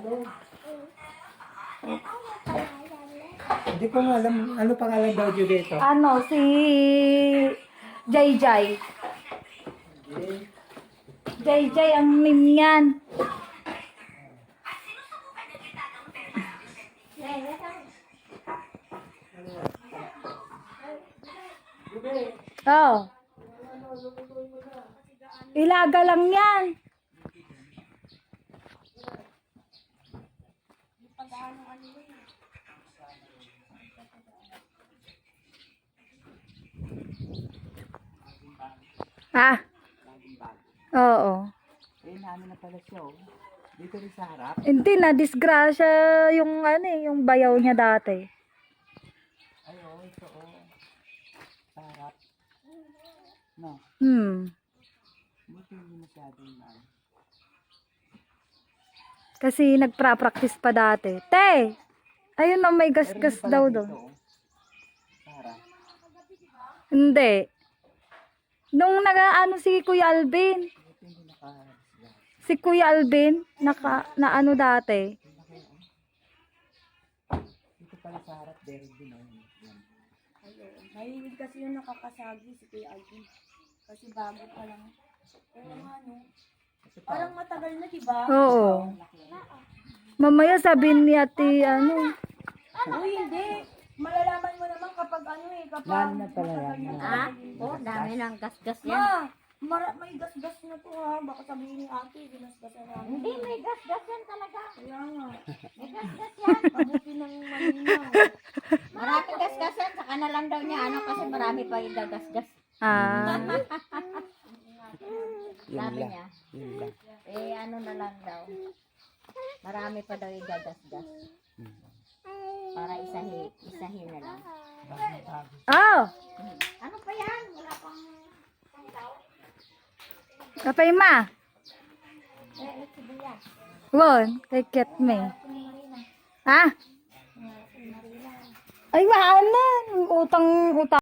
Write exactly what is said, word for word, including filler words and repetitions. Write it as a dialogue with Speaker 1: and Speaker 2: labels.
Speaker 1: Hindi ko nga alam. Ano pangalan daw dito dito?
Speaker 2: Ano, si Jay Jay. Jay Jay ang name niyan. Oh. Ilaga lang yan. Ah. Oo.
Speaker 1: Eh, namin na pala siya, oh. Dito rin sa harap.
Speaker 2: Hindi na disgrasya yung ano eh, yung bayaw niya dati.
Speaker 1: Ay, oh, ito, oh. Sa harap. No.
Speaker 2: Hmm.
Speaker 1: Buti hindi masyadong na.
Speaker 2: Kasi nagpra-practice pa dati. Te! Ayun na may gas-gas daw doon.
Speaker 1: Oh. Sa harap.
Speaker 2: Hindi. Nung nag-ano si Kuya Alvin.
Speaker 1: Buti hindi naka-disguise.
Speaker 2: Si Kuya Alvin, naka, na ano dati.
Speaker 1: Dito pala sa harap, there din, oh. Yan.
Speaker 3: Mahilig kasi yung nakakasagi si Kuya Alvin. Kasi bago pa lang. Pero ano,
Speaker 1: Kasi pa,
Speaker 3: parang matagal na, diba?
Speaker 2: Oo. Mamaya sabihin ni ate ano.
Speaker 3: Uy, hindi. Malalaman mo naman kapag ano eh, kapag
Speaker 1: lalo na pala yan.
Speaker 4: Ah? Oh, dami ng gas-gas yan.
Speaker 3: Ma, mara, may gas-gas na to ha. Baka sabihin ni ate, ginasgasan namin.
Speaker 4: Hindi, may gas-gas yan talaga.
Speaker 3: Kaya nga.
Speaker 4: May gas-gas yan.
Speaker 3: Mabuti ng malinaw.
Speaker 4: Maraming gas-gas yan. Saka na lang daw niya, ano, kasi marami pa yung gas-gas.
Speaker 2: Ah.
Speaker 1: Yun
Speaker 4: Sabi
Speaker 1: lang.
Speaker 4: niya.
Speaker 1: Yun lang.
Speaker 4: Eh, ano na lang daw. Marami pa daw yung gas-gas. Para isahin, isahin na lang.
Speaker 2: Oh!
Speaker 4: Ano pa yan? Wala pang...
Speaker 2: Kapay ma.
Speaker 4: Eh, sibuyas.
Speaker 2: Won, kay Ket me. Ha? Ay, wala na. Utang, utang.